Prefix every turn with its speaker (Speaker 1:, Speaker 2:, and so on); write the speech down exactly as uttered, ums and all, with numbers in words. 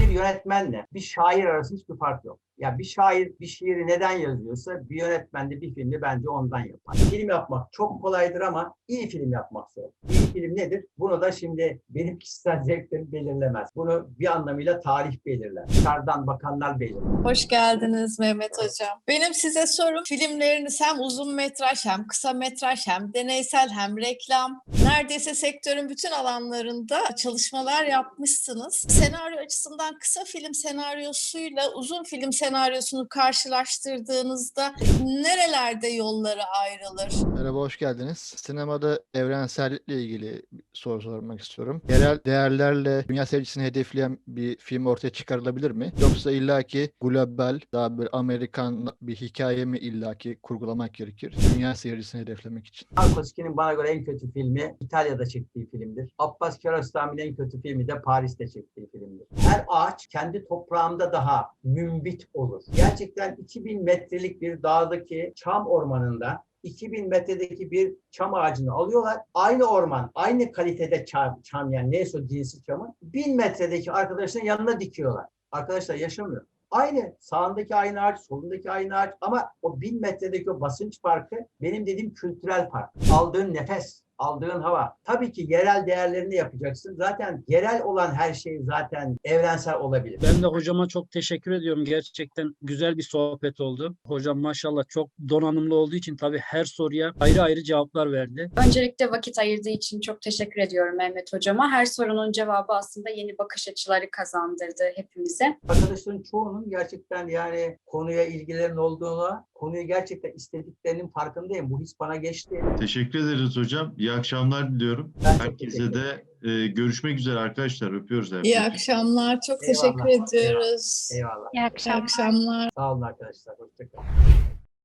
Speaker 1: yönetmenle bir şair arasında hiçbir fark yok. Ya bir şair bir şiiri neden yazıyorsa bir yönetmen de bir filmi bence ondan yapar. Film yapmak çok kolaydır ama iyi film yapmak zor. İyi film nedir? Bunu da şimdi benim kişisel zevklerim belirlemez. Bunu bir anlamıyla tarih belirler. Dışarıdan bakanlar belirler.
Speaker 2: Hoş geldiniz Mehmet Hocam. Benim size sorum, filmleriniz hem uzun metraj hem kısa metraj hem deneysel hem reklam. Neredeyse sektörün bütün alanlarında çalışmalar yapmışsınız. Senaryo açısından kısa film senaryosuyla uzun film senaryosunu karşılaştırdığınızda nerelerde yolları ayrılır?
Speaker 3: Merhaba, hoş geldiniz. Sinemada evrensellikle ilgili bir soru sormak istiyorum. Yerel değerlerle dünya seyircisini hedefleyen bir film ortaya çıkarılabilir mi? Yoksa illaki global, daha böyle Amerikan bir hikaye mi illaki kurgulamak gerekir? Dünya seyircisini hedeflemek için.
Speaker 1: Tarkovski'nin bana göre en kötü filmi İtalya'da çektiği filmdir. Abbas Kiarostami'nin en kötü filmi de Paris'te çektiği filmdir. Her ağaç kendi toprağında daha mümbit olur. Gerçekten iki bin metrelik bir dağdaki çam ormanında iki bin metredeki bir çam ağacını alıyorlar. Aynı orman, aynı kalitede çam, çam yani neyse o cinsi çamın bin metredeki arkadaşların yanına dikiyorlar. Arkadaşlar yaşamıyor. Aynı sağındaki aynı ağaç, solundaki aynı ağaç ama o bin metredeki o basınç farkı benim dediğim kültürel fark. Aldığın nefes, aldığın hava. Tabii ki yerel değerlerini yapacaksın. Zaten yerel olan her şey zaten evrensel olabilir.
Speaker 4: Ben de hocama çok teşekkür ediyorum. Gerçekten güzel bir sohbet oldu. Hocam maşallah çok donanımlı olduğu için tabii her soruya ayrı ayrı cevaplar verdi.
Speaker 5: Öncelikle vakit ayırdığı için çok teşekkür ediyorum Mehmet Hocama. Her sorunun cevabı aslında yeni bakış açıları kazandırdı hepimize.
Speaker 1: Arkadaşların çoğunun gerçekten yani konuya ilgilerin olduğuna, konuyu gerçekten istediklerinin farkındayım. Bu his bana geçti.
Speaker 6: Teşekkür ederiz hocam. İyi akşamlar diliyorum.
Speaker 1: Ben çok
Speaker 6: Herkese
Speaker 1: teşekkür
Speaker 6: de e, görüşmek üzere arkadaşlar. Öpüyoruz herkese.
Speaker 2: İyi akşamlar, çok
Speaker 1: Eyvallah.
Speaker 2: teşekkür ediyoruz.
Speaker 1: Eyvallah.
Speaker 5: İyi
Speaker 2: İyi akşamlar.
Speaker 1: Sağ olun arkadaşlar. Hoşçakalın.